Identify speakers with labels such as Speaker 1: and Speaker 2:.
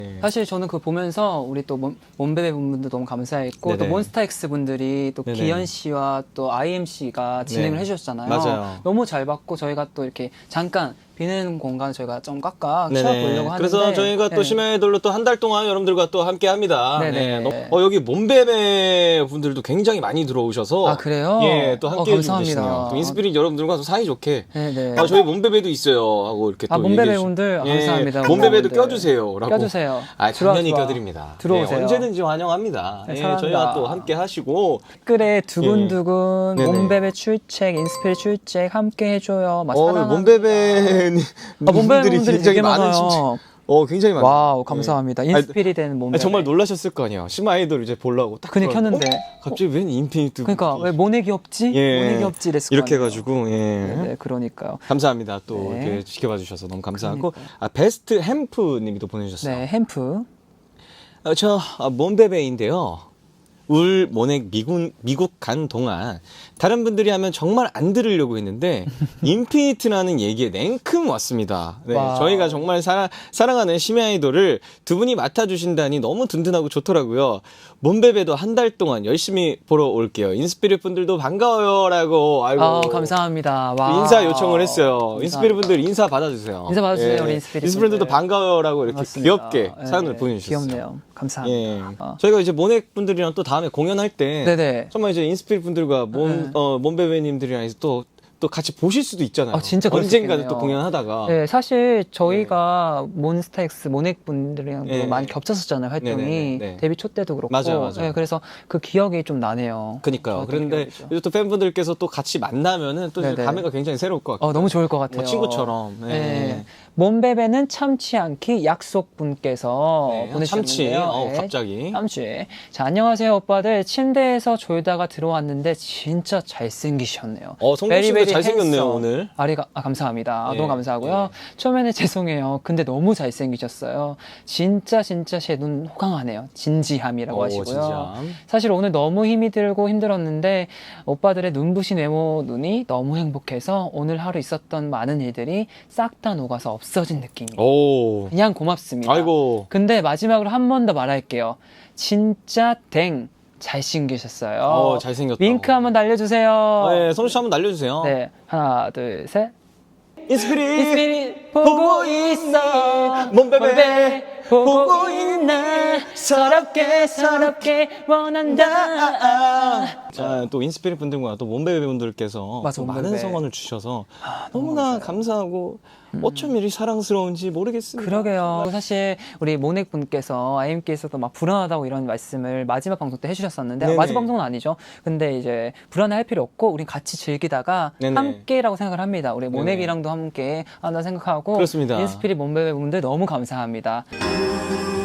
Speaker 1: 사실 저는 그거 보면서 우리 또 몬베베 분들도 너무 감사했고
Speaker 2: 네네.
Speaker 1: 또 몬스타엑스 분들이 또
Speaker 2: 네네.
Speaker 1: 기현 씨와 또 IMC가 진행을
Speaker 2: 네.
Speaker 1: 해주셨잖아요.
Speaker 2: 맞아요.
Speaker 1: 너무 잘 봤고 저희가 또 이렇게 잠깐 비는 공간 저희가 좀 꽉꽉
Speaker 2: 네네.
Speaker 1: 채워보려고 하는데
Speaker 2: 그래서 저희가 또
Speaker 1: 네.
Speaker 2: 심야아이돌로 또 한 달 동안 여러분들과 또 함께 합니다.
Speaker 1: 네네.
Speaker 2: 네. 여기 몬베베 분들도 굉장히 많이 들어오셔서
Speaker 1: 아, 그래요?
Speaker 2: 예, 또 함께 해주고
Speaker 1: 감사합니다.
Speaker 2: 계시네요. 또 인스피릿 여러분들과 또 사이좋게
Speaker 1: 네네.
Speaker 2: 저희 몬베베도 있어요 하고 이렇게 또
Speaker 1: 몬베베
Speaker 2: 얘기해
Speaker 1: 분들
Speaker 2: 예,
Speaker 1: 감사합니다.
Speaker 2: 몬베베도
Speaker 1: 몬베베
Speaker 2: 껴주세요라고.
Speaker 1: 껴주세요.
Speaker 2: 당연히
Speaker 1: 들어와.
Speaker 2: 껴드립니다.
Speaker 1: 들어오세요.
Speaker 2: 네, 언제든지 환영합니다.
Speaker 1: 네,
Speaker 2: 예,
Speaker 1: 사랑합니다.
Speaker 2: 저희와 또 함께 하시고
Speaker 1: 댓글에 두근두근
Speaker 2: 네네.
Speaker 1: 몬베베 출첵, 인스피릿 출첵 함께 해줘요. 막 사랑합니다.
Speaker 2: 몬베베
Speaker 1: 몬베베
Speaker 2: 분들이
Speaker 1: 분들이
Speaker 2: 굉장히
Speaker 1: 되게
Speaker 2: 많은
Speaker 1: 많아요.
Speaker 2: 진짜 굉장히 많아요.
Speaker 1: 와우 감사합니다. 인스피릿 된 몬베베.
Speaker 2: 정말 놀라셨을 거 아니에요. 심야 아이돌 이제 보려고 딱
Speaker 1: 그냥
Speaker 2: 들어가고,
Speaker 1: 켰는데
Speaker 2: 갑자기 웬 인피니트
Speaker 1: 그러니까 왜 모넥이 없지?
Speaker 2: 예.
Speaker 1: 모넥이 없지 이랬을
Speaker 2: 이렇게
Speaker 1: 거 아니에요.
Speaker 2: 해가지고 예.
Speaker 1: 네, 그러니까요.
Speaker 2: 감사합니다. 또
Speaker 1: 네.
Speaker 2: 이렇게 지켜봐 주셔서 너무 감사하고
Speaker 1: 그러니까요.
Speaker 2: 베스트 햄프님이 또 보내주셨어요.
Speaker 1: 네, 햄프.
Speaker 2: 저 몬베베인데요. 울 모넥 미국 간 동안 다른 분들이 하면 정말 안 들으려고 했는데 인피니트라는 얘기에 냉큼 왔습니다. 네,
Speaker 1: 와우.
Speaker 2: 저희가 정말 사랑하는 심야 아이돌을 두 분이 맡아주신다니 너무 든든하고 좋더라고요. 몬베베도 한 달 동안 열심히 보러 올게요. 인스피릿 분들도 반가워요라고 아이고
Speaker 1: 감사합니다. 와.
Speaker 2: 인사 요청을 했어요.
Speaker 1: 감사합니다.
Speaker 2: 인스피릿 분들 인사 받아주세요.
Speaker 1: 인사 받아주세요,
Speaker 2: 예.
Speaker 1: 우리 인스피릿
Speaker 2: 인스피릿들도
Speaker 1: 분들.
Speaker 2: 반가워요라고 이렇게
Speaker 1: 맞습니다.
Speaker 2: 귀엽게
Speaker 1: 네,
Speaker 2: 사연을 보내주셨어요.
Speaker 1: 귀엽네요. 감사합니다.
Speaker 2: 예.
Speaker 1: 어.
Speaker 2: 저희가 이제 모넥 분들이랑 또 다음에 공연할 때
Speaker 1: 네네.
Speaker 2: 정말 이제 인스피릿 분들과 몬베베님들이랑 또 같이 보실 수도 있잖아요.
Speaker 1: 진짜 그럴 수
Speaker 2: 언젠가는
Speaker 1: 있겠네요.
Speaker 2: 또 공연하다가
Speaker 1: 네, 사실 저희가 몬스타엑스 모넥 분들이랑
Speaker 2: 네.
Speaker 1: 많이 겹쳤었잖아요 활동이
Speaker 2: 네네네.
Speaker 1: 데뷔 초 때도 그렇고
Speaker 2: 맞아요.
Speaker 1: 네, 그래서 그 기억이 좀 나네요.
Speaker 2: 그니까요.
Speaker 1: 좋았던
Speaker 2: 그런데
Speaker 1: 기억이죠.
Speaker 2: 이제 또 팬분들께서 또 같이 만나면은 또 이제
Speaker 1: 네네.
Speaker 2: 감회가 굉장히 새로울 것 같아요.
Speaker 1: 너무 좋을 것 같아요.
Speaker 2: 뭐 친구처럼. 네.
Speaker 1: 네. 몸베베는 참치 않기 약속분께서
Speaker 2: 네,
Speaker 1: 보내주셨는데요.
Speaker 2: 참치.
Speaker 1: 네.
Speaker 2: 갑자기.
Speaker 1: 참치. 자, 안녕하세요 오빠들. 침대에서 졸다가 들어왔는데 진짜 잘생기셨네요.
Speaker 2: 성동 씨도
Speaker 1: 베리베리
Speaker 2: 잘생겼네요,
Speaker 1: 핸섬.
Speaker 2: 오늘.
Speaker 1: 감사합니다.
Speaker 2: 네,
Speaker 1: 너무 감사하고요. 처음에는 죄송해요. 근데 너무 잘생기셨어요. 진짜 제 눈 호강하네요. 진지함이라고 하시고요.
Speaker 2: 진지함.
Speaker 1: 사실 오늘 너무 힘이 들고 힘들었는데 오빠들의 눈부신 외모 눈이 너무 행복해서 오늘 하루 있었던 많은 일들이 싹 다 녹아서 없어진 느낌이에요.
Speaker 2: 오.
Speaker 1: 그냥 고맙습니다.
Speaker 2: 아이고.
Speaker 1: 근데 마지막으로 한 번 더 말할게요. 진짜 댕 잘생기셨어요.
Speaker 2: 잘생겼다.
Speaker 1: 윙크 한번 날려주세요.
Speaker 2: 네, 성동 씨 한번 날려주세요.
Speaker 1: 네, 하나, 둘, 셋.
Speaker 2: 인스피릿.
Speaker 1: 인스피릿 보고 있어.
Speaker 2: 몬베베
Speaker 1: 보고 있나. 서럽게 원한다.
Speaker 2: 자, 또 인스피릿 분들과 또 몬베베 분들께서
Speaker 1: 맞아,
Speaker 2: 또 많은
Speaker 1: 몬베베.
Speaker 2: 성원을 주셔서
Speaker 1: 너무
Speaker 2: 너무나 감사하고 어쩜 이리 사랑스러운지 모르겠습니다.
Speaker 1: 그러게요. 사실 우리 모넥 분께서 IM께서도 막 불안하다고 이런 말씀을 마지막 방송 때 해주셨었는데
Speaker 2: 네네.
Speaker 1: 마지막 방송은 아니죠. 근데 이제 불안해할 필요 없고 우린 같이 즐기다가
Speaker 2: 네네.
Speaker 1: 함께라고 생각을 합니다. 우리 모넥이랑도 함께 한다 생각하고
Speaker 2: 그렇습니다.
Speaker 1: 인스피릿 몬베베 분들 너무 감사합니다.